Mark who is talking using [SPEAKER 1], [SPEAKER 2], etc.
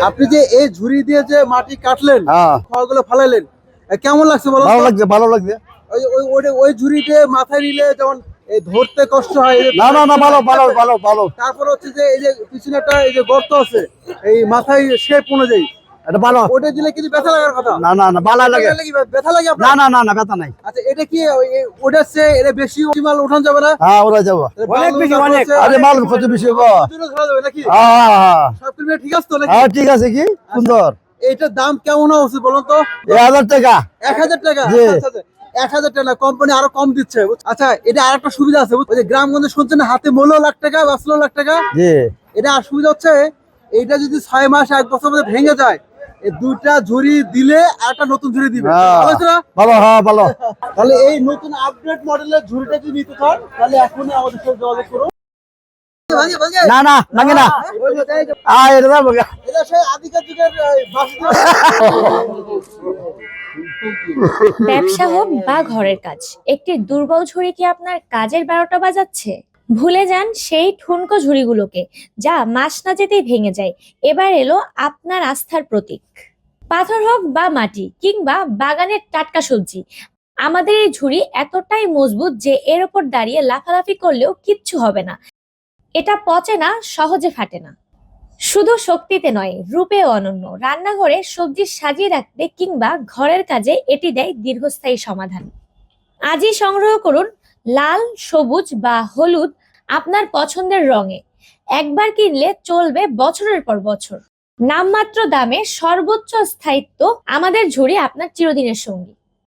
[SPEAKER 1] আপনি যে এই ঝুড়ি দিয়ে যে মাটি কাটলেন, খড়গুলো ফালাইলেন, কেমন লাগছে বলো?
[SPEAKER 2] ভালো লাগছে, ভালো লাগছে।
[SPEAKER 1] ওই ঝুড়িতে মাথায় নিলে যেমন এই ধরতে কষ্ট হয়,
[SPEAKER 2] না না না, ভালো ভালো ভালো ভালো।
[SPEAKER 1] তারপর হচ্ছে যে এই যে পিছনে একটা এই যে গর্ত আছে, এই মাথায় শেপ অনুযায়ী
[SPEAKER 2] এটা ভালো।
[SPEAKER 1] ওটা দিলে কিন্তু ব্যথা লাগার কথা।
[SPEAKER 2] না না না, ভালো লাগে।
[SPEAKER 1] ব্যথা লাগে
[SPEAKER 2] না
[SPEAKER 1] আপনার?
[SPEAKER 2] না না না, ব্যথা নাই।
[SPEAKER 1] আচ্ছা, এটা কি ওটার চেয়ে এটা বেশি মাল উঠানো যাবে না?
[SPEAKER 2] হ্যাঁ, ওরা যাবো
[SPEAKER 1] অনেক বেশি, অনেক।
[SPEAKER 2] আরে মাল কত বেশি হবো?
[SPEAKER 1] ধরা যাবে নাকি?
[SPEAKER 2] হ্যাঁ
[SPEAKER 1] সব কিছু ঠিক আছে তো নাকি?
[SPEAKER 2] হ্যাঁ, ঠিক আছে। কি সুন্দর।
[SPEAKER 1] এইটার দাম কেমন হওয়া উচিত বলুন তো?
[SPEAKER 2] 1000 টাকা।
[SPEAKER 1] 1000 টাকা?
[SPEAKER 2] জি।
[SPEAKER 1] আচ্ছা, আচ্ছা, 1000 টাকা না, কোম্পানি আরো কম দিচ্ছে। আচ্ছা, এটা আরেকটা সুবিধা আছে, ওই যে গ্রামগঞ্জে শুনছেন না, হাতে মূল্য লাখ টাকা, বাঁচলো লাখ টাকা।
[SPEAKER 2] জি।
[SPEAKER 1] এটা আর সুবিধা হচ্ছে, এইটা যদি 6 মাস 1 বছর মধ্যে ভেঙে যায়, এই দুইটা ঝুড়ি দিলে আরেকটা নতুন ঝুড়ি দিবে। ভালো হয়েছে না?
[SPEAKER 2] ভালো, হ্যাঁ ভালো।
[SPEAKER 1] তাহলে এই নতুন আপডেট মডেলের ঝুড়িটা যদি নিতে চান, তাহলে এখনই আমাদের সাথে যোগাযোগ করুন। ভাঙে ভাঙে
[SPEAKER 2] না না, ভাঙে না। এটা যাবো গা।
[SPEAKER 1] এটা সেই আদিকার যুগের বাঁশি দিয়ে।
[SPEAKER 3] ব্যবসা হোক বা ঘরের কাজ, একটি দুর্বল ঝুড়ি কি আপনার কাজের 12টা বাজাচ্ছে? ভুলে যান সেই ঠুনকো ঝুড়িগুলোকে, যা মাস না যেতেই ভেঙে যায়। এবার এলো আপনার আস্থার প্রতীক। পাথর হোক বা মাটি কিংবা বাগানের টাটকা সবজি, আমাদের এই ঝুড়ি এতটাই মজবুত যে এর ওপর দাঁড়িয়ে লাফালাফি করলেও কিচ্ছু হবে না। এটা পচে না, সহজে ফাটে না। শুধু শক্তিতে নয়, রূপেও অনন্য। রান্নাঘরে সবজি সাজিয়ে রাখতে কিংবা ঘরের কাজে এটি দেয় দীর্ঘস্থায়ী সমাধান। আজই সংগ্রহ করুন লাল, সবুজ বা হলুদ আপনার পছন্দের রঙে। একবার কিনলে চলবে বছরের পর বছর। নামমাত্র দামে সর্বোচ্চ স্থায়িত্ব, আমাদের ঝুড়ি আপনার চিরদিনের সঙ্গী।